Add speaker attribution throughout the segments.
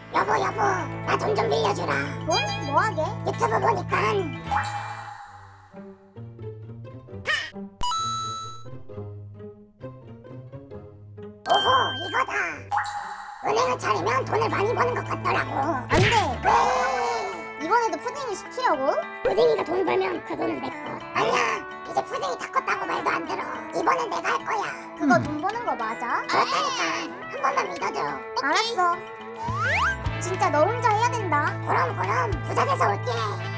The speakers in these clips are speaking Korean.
Speaker 1: 여보 나 돈 좀 빌려주라.
Speaker 2: 돈? 뭐하게?
Speaker 1: 유튜브 보니까 오호 이거다. 은행을 차리면 돈을 많이 버는 것 같더라고.
Speaker 2: 안돼.
Speaker 1: 왜?
Speaker 2: 이번에도 푸딩이 시키려고?
Speaker 1: 푸딩이가 돈 벌면 그 돈은 내 거. 아니야 이제 푸딩이 다 컸다고 말도 안 들어. 이번엔 내가 할 거야.
Speaker 2: 그거 돈 버는 거 맞아?
Speaker 1: 그렇다니까 한 번만 믿어줘.
Speaker 2: 알았어. 진짜 너 혼자 해야 된다.
Speaker 1: 그럼 부자 돼서 올게.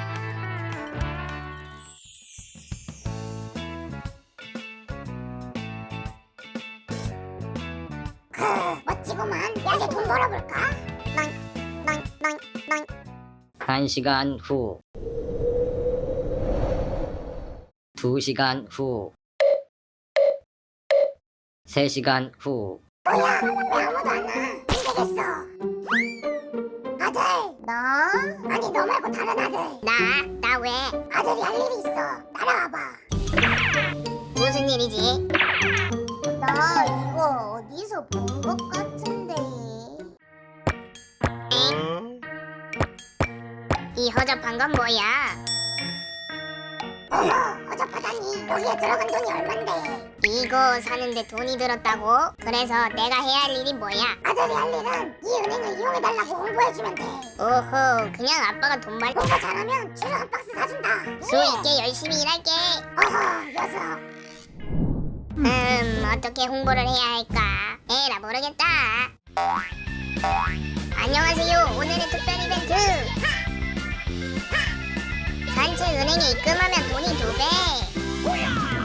Speaker 1: 멋지구만. 이제 돈 벌어볼까? 낭.
Speaker 3: 1시간 후 2시간 후 3시간 후
Speaker 1: 뭐야 왜 아무도 안 와? 안 되겠어. 아들.
Speaker 2: 나?
Speaker 1: 아니 너 말고 다른 아들.
Speaker 2: 나 왜?
Speaker 1: 아들이 할 일이 있어. 따라와봐.
Speaker 2: 무슨 일이지? 나 이거 어디서 본 것 같은데. 이 허접한 건 뭐야?
Speaker 1: 어머 어접하다니. 여기에 들어간 돈이 얼만데.
Speaker 2: 이거 사는데 돈이 들었다고? 그래서 내가 해야 할 일이 뭐야?
Speaker 1: 아들이 할 일은 이 은행을 이용해달라고 홍보해주면 돼.
Speaker 2: 오호, 그냥 아빠가 돈 많이
Speaker 1: 홍보 잘하면 주류 한 박스 사준다.
Speaker 2: 수 있게 열심히 일할게.
Speaker 1: 어허 녀석.
Speaker 2: 어떻게 홍보를 해야 할까? 에라 모르겠다. 안녕하세요. 오늘의 특별 이벤트. 산채 은행에 입금하면 돈이 2배.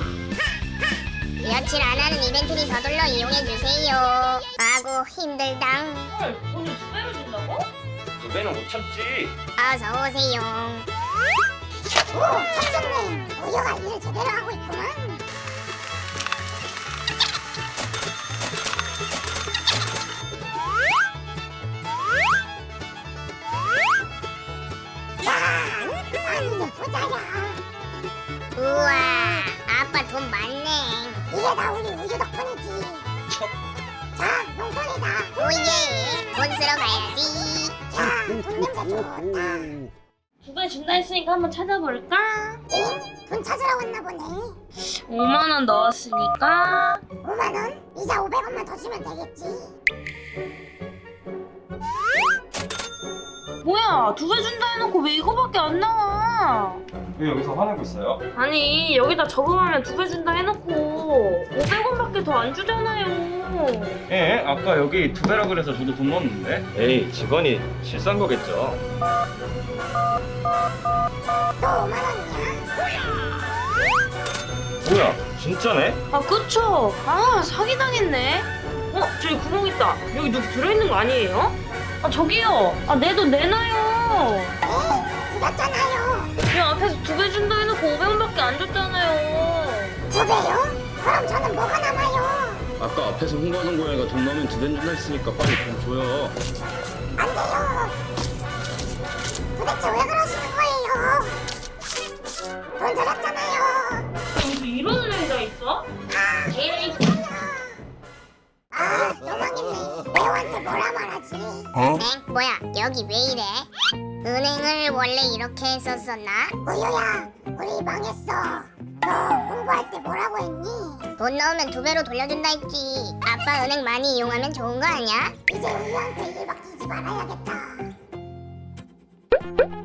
Speaker 2: 며칠 안 하는 이벤트니 서둘러 이용해주세요. 아고 힘들당.
Speaker 4: 헐, 돈을 2배로 준다고?
Speaker 5: 2배는 못 참지.
Speaker 2: 어서오세요.
Speaker 1: 오 탑승님. 우유가 일을 제대로 하고 있구만. 야, 난 이제 부자야.
Speaker 2: 우와, 아빠 돈 많네.
Speaker 1: 이게 다 우리 우유 덕분이지. 자, 용돈이다.
Speaker 2: 오예, 돈 쓰러 가야지.
Speaker 1: 야, 돈 냄새 좋다.
Speaker 4: 2배 준다 했으니까 한번 찾아볼까?
Speaker 1: 잉? 돈 찾으러 왔나 보네.
Speaker 4: 5만원 넣었으니까
Speaker 1: 5만 원? 이자 500원만 더 주면 되겠지.
Speaker 4: 뭐야 2배 준다 해놓고 왜 이거밖에 안 나와?
Speaker 5: 왜 여기서 화내고 있어요?
Speaker 4: 아니 여기다 저금하면 2배 준다 해놓고 500원밖에 더 안 주잖아요.
Speaker 5: 예, 아까 여기 2배라 그래서 저도 돈 넣었는데. 에이, 직원이 실수한 거겠죠.
Speaker 1: 또 5만 원이야?
Speaker 5: 뭐야, 진짜네?
Speaker 4: 아 그쵸? 아 사기당했네. 저기 구멍 있다. 여기 누구 들어있는 거 아니에요? 아 저기요. 아 내 돈 내놔요.
Speaker 1: 네, 드렸잖아요.
Speaker 4: 야 앞에서 2배 준다 해놓고 500원밖에 안 줬잖아요.
Speaker 1: 2배요? 그럼 저는 뭐가 남아요?
Speaker 5: 아까 앞에서 홍보하는 고양이가 돈 넣으면 2배 준다 했으니까 빨리 돈 줘요.
Speaker 1: 안 돼요. 도대체 왜 그러시는 거예요? 돈 드렸잖아요.
Speaker 4: 무슨 이런 은행이 다 있어?
Speaker 1: 에이, 아, 또 망했네. 매우한테 뭐라 말하지?
Speaker 2: 엥? 뭐야? 여기 왜 이래? 은행을 원래 이렇게 했었었나?
Speaker 1: 우유야, 우리 망했어. 너 홍보할 때 뭐라고 했니?
Speaker 2: 돈 넣으면 2배로 돌려준다 했지. 아빠 은행 많이 이용하면 좋은 거 아니야?
Speaker 1: 이제 우유한테 일 맡기지 말아야겠다.